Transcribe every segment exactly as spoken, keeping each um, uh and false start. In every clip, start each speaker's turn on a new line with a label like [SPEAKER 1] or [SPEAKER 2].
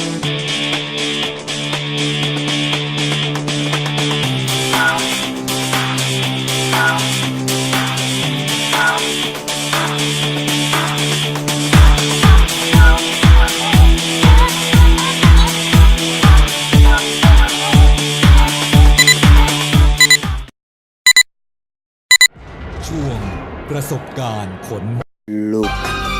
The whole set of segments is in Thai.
[SPEAKER 1] ช่วงประสบการณ์ขน
[SPEAKER 2] ลุก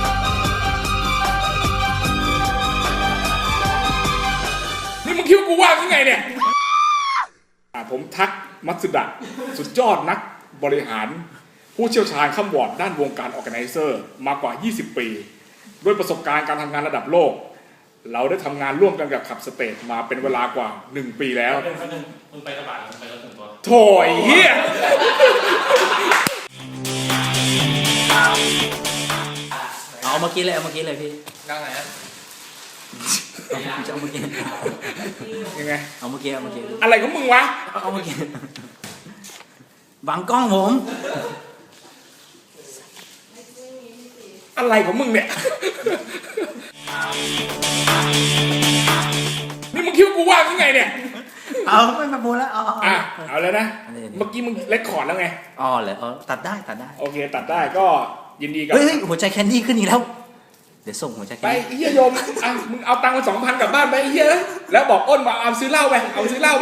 [SPEAKER 3] นี่มึงคิดว่ากูว่างยังไงเนี่ยผมทักมัตสึดะสุดยอดนักบริหารผู้เชี่ยวชาญข้ามวอร์ดด้านวงการออร์แกไนเซอร์มากว่ายี่สิบปีด้วยประสบการณ์การทำงานระดับโลกเราได้ทำงานร่วมกันกับขับสเตทมาเป็นเวลากว่าหนึ่งปีแล้ว
[SPEAKER 4] มึงไปกระบะมึงไปรถส่วนตัว
[SPEAKER 3] โถยเฮีย
[SPEAKER 2] เอาเมื่อกี้เลยเอาเมื่อกี้เลยพี่
[SPEAKER 4] นั่งไหนอ่ะ
[SPEAKER 2] เอาเมื่อกี้
[SPEAKER 3] ยังไง
[SPEAKER 2] เอาเมื่อกี้เอาเมื่อกี้
[SPEAKER 3] อะไรของมึงวะ
[SPEAKER 2] เอาเมื่อกี้บังกล้องผม
[SPEAKER 3] อะไรของมึงเนี่ยนี่มึงคิดว่ากูว่างยังไงเนี่ย
[SPEAKER 2] เอาไม่มาพูดแล้วอ๋อ
[SPEAKER 3] อ่ะเอาแล้วนะเมื่อกี้มึงเรคคอร์ดแล้วไง
[SPEAKER 2] อ๋อเหรอตัดได้ตัดได้
[SPEAKER 3] โอเคตัดได้ก็ยินดีกับ
[SPEAKER 2] เฮ้ยหัวใจแคนดี้ขึ้นอีกแล้วเดี๋ยวส่งหัวใจแคน
[SPEAKER 3] ดี้
[SPEAKER 2] ไป
[SPEAKER 3] เฮียโยมอ่ะมึงเอาตังค์มาสองพันกลับบ้านไปเฮียแล้วบอกอ้นมาเอาซื้อเหล้าไปเอาซื้อเหล้าไป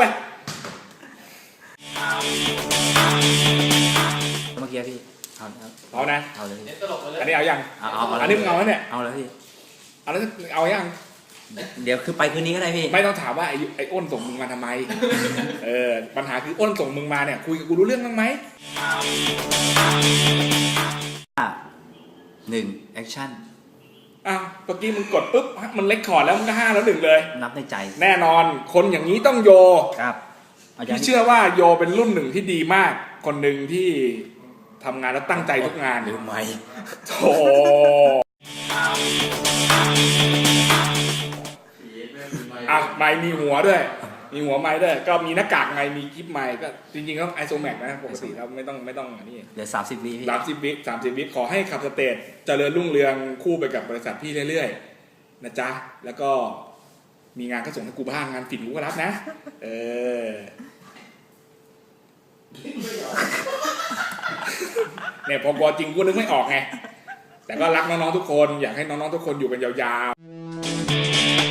[SPEAKER 2] เมื่อกี้พี่เอา
[SPEAKER 3] เอานะ
[SPEAKER 2] เอาเลย
[SPEAKER 3] อันนี้เอายัง
[SPEAKER 2] เอาเอา
[SPEAKER 3] อันนี้มึงเอาแล้วเนี่ย
[SPEAKER 2] เอาเลยพี่
[SPEAKER 3] เอาแล้วเอายัง
[SPEAKER 2] เดี๋ยวคือไปคืนนี้ก็ได้พี่
[SPEAKER 3] ไม่ต้องถามว่าไอ้ไอ้อ้นส่งมึงมาทำไมเออปัญหาคืออ้นส่งมึงมาเนี่ยคุยกับกูรู้เรื่องบ้างไหม
[SPEAKER 2] หนึ่งแอคชั่น
[SPEAKER 3] อ่ะเมื่อกี้มึงกดปุ๊บมันเล็กคอร์ดแล้วมึงก็ห้าแล้วหนึ่งเลย
[SPEAKER 2] นับในใจ
[SPEAKER 3] แน่นอนคนอย่างนี้ต้องโย
[SPEAKER 2] ครับ
[SPEAKER 3] พี่เชื่อว่าโยเป็นรุ่นหนึ่งที่ดีมากคนหนึ่งที่ทำงานแล้วตั้งใจทุกงาน
[SPEAKER 2] หรือไม่
[SPEAKER 3] โธ่อ่ะไมค์มีหัวด้วยมีหัวไม้ด้วยก็มีหน้ากากไงมีคลิปไมค์ก็จริงๆก็ไอโซแม็กนะปกติแล้วไม่ต้องไม่ต้องอันนี้
[SPEAKER 2] เดี๋ยวสามสิบวิพี่
[SPEAKER 3] สามสิบวิสามสิบวิขอให้ขับสเตจเจริญรุ่งเรืองคู่ไปกับบริษัทพี่เรื่อยๆนะจ๊ะแล้วก็มีงานก็ส่งให้กูบ้างงานฝิ่นกูก็รับนะเออเนี่ยพอจริงกูนึกไม่ออกไงแต่ก็รักน้องๆทุกคนอยากให้น้องๆทุกคนอยู่กันยาวๆ